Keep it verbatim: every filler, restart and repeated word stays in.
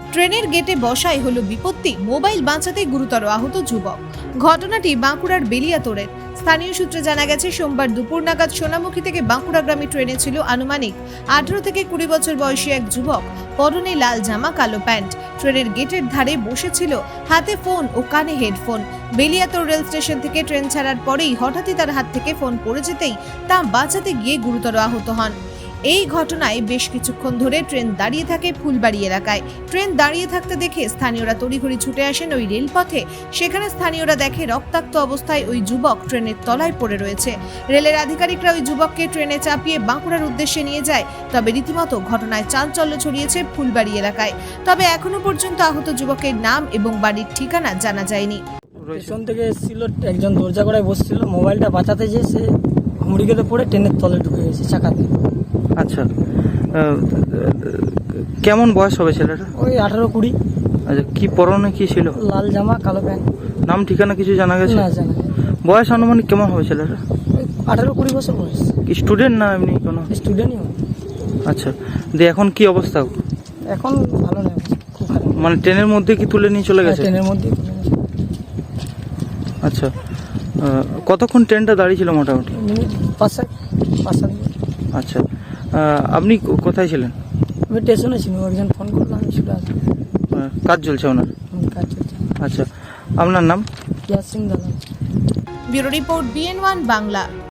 ট্রেনের গেটে বসাই হলো বিপত্তি, মোবাইল বাঁচাতে গুরুতর আহত যুবক। ঘটনাটি বাঁকুড়ার বেলিয়াতোড়ের। স্থানীয় সূত্রে জানা গেছে, সোমবার দুপুর নাগাদ সোনামুখী থেকে বাঁকুড়াগামী ট্রেনে ছিল আনুমানিক আঠারো থেকে কুড়ি বছর বয়সী এক যুবক। পরনে লাল জামা, কালো প্যান্ট। ট্রেনের গেটের ধারে বসেছিল, হাতে ফোন ও কানে হেডফোন। বেলিয়াতোড় রেল স্টেশন থেকে ট্রেন ছাড়ার পরেই হঠাৎই তার হাত থেকে ফোন পড়ে যেতেই তা বাঁচাতে গিয়ে গুরুতর আহত হন। এই ঘটনায় বেশ কিছুক্ষণ ধরে ট্রেন দাঁড়িয়ে থাকে ফুলবাড়ি এলাকায়। ট্রেন দাঁড়িয়ে থাকতে দেখে স্থানীয়রা তড়িঘড়ি ছুটে আসেন ওই রেলপথে। সেখানে স্থানীয়রা দেখে রক্তাক্ত অবস্থায় ওই যুবক ট্রেনের তলায় পড়ে রয়েছে। রেলের আধিকারিকরা ওই যুবককে ট্রেনে চাপিয়ে বাঁকুড়ার উদ্দেশ্যে নিয়ে যায়। তবে রীতিমতো ঘটনায় চাঞ্চল্য ছড়িয়েছে ফুলবাড়ি এলাকায়। তবে এখনো পর্যন্ত আহত যুবকের নাম এবং বাড়ির ঠিকানা জানা যায়নি। পেছন থেকে এসেছিল, একজন দরজা করায় বসছিল, মোবাইলটা বাঁচাতে যেয়ে সে হুমড়ি খেতে পড়ে ট্রেনের তলে ঢুকে গেছে চাকাতে। আচ্ছা, আহ, কেমন বয়স হবে ছেলেটা? ওই আঠারো কুড়ি। আচ্ছা, কি পরনে কি ছিল? লাল জামা, কালো প্যান্ট। নাম ঠিকানা কিছু জানা গেছে? না জানা। বয়স আনুমানিক কেমন হবে ছেলেটা? ওই আঠারো কুড়ি বছর বয়স। কি স্টুডেন্ট না এমনি কোনো? স্টুডেন্টই হবে। আচ্ছা, দিয়ে এখন কি অবস্থা? এখন ভালো নয়, খুব খারাপ। মানে ট্রেনের মধ্যে কি তুলে নিয়ে চলে গেছে? ট্রেনের মধ্যে। আচ্ছা, আহ, কতক্ষণ ট্রেনটা দাঁড়িয়ে ছিল মোটামুটি? মিনিট পাঁচ সাত পাঁচ সাত মিনিট। আচ্ছা, আহ, আপনি কো- কোথায় ছিলেন? আমি স্টেশনে ছিল, একজন ফোন করলো, আমি ছুটে আসলাম। আহ, কাজ চলছে ওনার? আমার কাজ চলছে। আচ্ছা, আপনার নাম? ইয়াস সিং দাদা। Bureau report, BN one Bangla.